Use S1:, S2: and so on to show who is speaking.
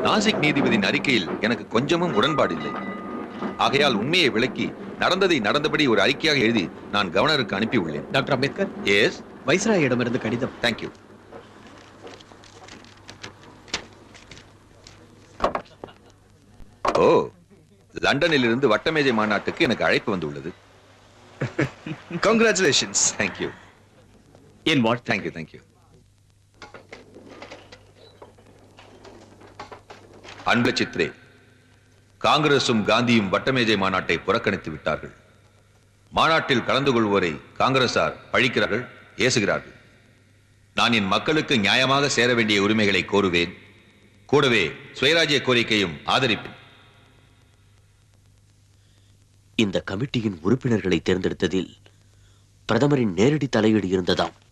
S1: நாசிக் நீதிபதியின் அறிக்கையில் எனக்கு கொஞ்சமும் உடன்பாடு இல்லை. ஆகையால் உண்மையை விளக்கி நடந்ததை நடந்தபடி ஒரு அறிக்கையாக எழுதி நான் கவர்னருக்கு அனுப்பி உள்ளேன்.
S2: டாக்டர் அம்பேத்கர்,
S1: எஸ்,
S2: வைஸ்ராயிடமிருந்து கடிதம்.
S1: தேங்க்யூ. ஓ, லண்டனில் இருந்து வட்டமேஜை மாநாட்டுக்கு எனக்கு அழைப்பு வந்துள்ளது.
S3: Congratulations.
S1: தேங்க்யூ.
S2: என் வாழ்த்து.
S1: Thank you thank you. அன்பு சித்ரே, காங்கிரசும் காந்தியும் வட்டமேஜை மாநாட்டை புறக்கணித்து விட்டார்கள். மாநாட்டில் கலந்து கொள்வோரை காங்கிரசார் பழிக்கிறார்கள், ஏசுகிறார்கள். நான் என் மக்களுக்கு நியாயமாக சேர வேண்டிய உரிமைகளை கோருவேன். கூடவே சுயராஜ்ய கோரிக்கையும் ஆதரிப்பேன்.
S4: இந்த கமிட்டியின் உறுப்பினர்களை தேர்ந்தெடுத்ததில் பிரதமரின் நேரடி தலையீடு இருந்ததாம்.